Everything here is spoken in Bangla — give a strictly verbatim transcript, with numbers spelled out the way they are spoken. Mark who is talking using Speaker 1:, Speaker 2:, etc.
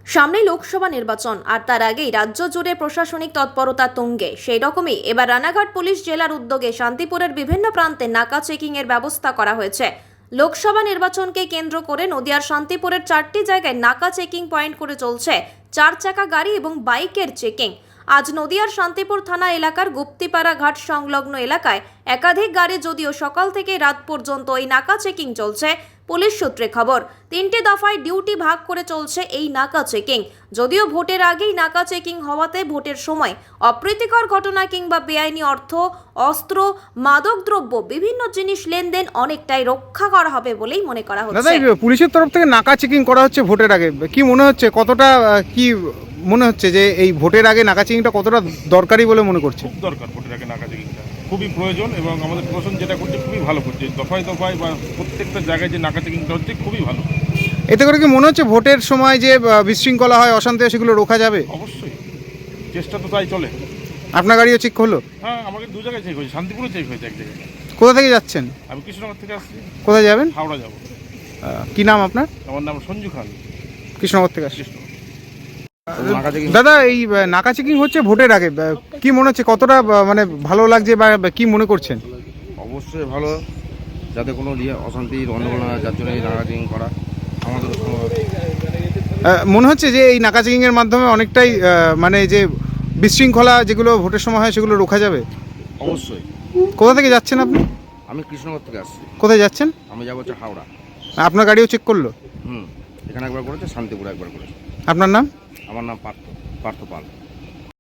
Speaker 1: সামনে লোকসভা নির্বাচন আর তার আগেই রাজ্য জুড়ে প্রশাসনিক তৎপরতা তুঙ্গে। সেই রকমই এবার রানাঘাট পুলিশ জেলার উদ্যোগে শান্তিপুরের বিভিন্ন প্রান্তে নাকা চেকিং এর ব্যবস্থা করা হয়েছে। লোকসভা নির্বাচনকে কেন্দ্র করে নদিয়ার শান্তিপুরের চারটি জায়গায় নাকা চেকিং পয়েন্ট করে চলছে চার চাকা গাড়ি এবং বাইকের চেকিং। আজ নদিয়ার শান্তিপুর থানা এলাকার গুপ্তিপাড়া ঘাট সংলগ্ন এলাকায় একাধিক গাড়ি, যদিও সকাল থেকে রাত পর্যন্ত এই নাকা চেকিং চলছে। পুলিশ সূত্রে খবর, তিনটি দফায় ডিউটি ভাগ করে চলছে এই নাকা চেকিং। যদিও ভোটের আগেই নাকা চেকিং হওয়াতে ভোটের সময় অপ্রীতিকর ঘটনা কিংবা বেআইনি অর্থ, অস্ত্র, মাদকদ্রব্য বিভিন্ন জিনিস লেনদেন অনেকটাই রক্ষা করা হবে বলেই মনে করা হচ্ছে।
Speaker 2: দাদা, পুলিশের তরফ থেকে নাকা চেকিং করা হচ্ছে ভোটের আগে, কি মনে হচ্ছে, কতটা কি মনে হচ্ছে যে এই ভোটের আগে নাকা চেকিংটা কতটা দরকারি বলে মনে করছে?
Speaker 3: খুব দরকার, ভোটের আগে নাকা চেকিংটা খুবই প্রয়োজন এবং আমাদের প্রশাসন যেটা করছে খুবই ভালো করছে। দফায় দফায় বা প্রত্যেকটা জায়গায় যে নাকা চেকিংটা হচ্ছে খুবই ভালো।
Speaker 2: এতে করে কি মনে হচ্ছে ভোটের সময় যে বিশৃঙ্খলা হয়, অশান্তি হয়, সেগুলো রোখা যাবে?
Speaker 3: অবশ্যই, চেষ্টা তো তাই চলে।
Speaker 2: আপনার গাড়িও চেক হলো?
Speaker 3: হ্যাঁ, আমাকে দু জায়গায় চেক হয়েছে, শান্তিপুরে চেক হয়েছে এক জায়গায়।
Speaker 2: কোথা থেকে যাচ্ছেন?
Speaker 3: আমি কৃষ্ণনগর থেকে আসছি।
Speaker 2: কোথায় যাবেন?
Speaker 3: হাওড়া যাবো।
Speaker 2: কি নাম আপনার?
Speaker 3: আমার নাম সঞ্জু খান,
Speaker 2: কৃষ্ণনগর থেকে আসছি।
Speaker 3: কৃষ্ণ।
Speaker 2: দাদা, এই নাকা চেকিং হচ্ছে ভোটের আগে, কি মনে হচ্ছে, কতটা মানে ভালো লাগছে বা কি মনে করছেন?
Speaker 4: অবশ্যই ভালো, যাতে কোনো অশান্তি গণ্ডগোল না হয়, যার জন্য এই নাকা চেকিং করা আমাদের
Speaker 2: মনে হচ্ছে যে এই নাকা চেকিং এর মাধ্যমে অনেকটাই মানে যে বিশৃঙ্খলা যেগুলো ভোটের সময় হয় সেগুলো রোখা যাবে।
Speaker 4: অবশ্যই।
Speaker 2: কোথা থেকে যাচ্ছেন আপনি?
Speaker 4: আমি কৃষ্ণনগর থেকে আসছি।
Speaker 2: কোথায় যাচ্ছেন?
Speaker 4: আমি যাবো হচ্ছে হাওড়া।
Speaker 2: আপনার গাড়িও চেক করলো?
Speaker 4: হুম, এখানে একবার করেছে, শান্তিপুর একবার করেছে।
Speaker 2: আপনার নাম?
Speaker 4: আমার নাম পার্থ পার্থ পাল।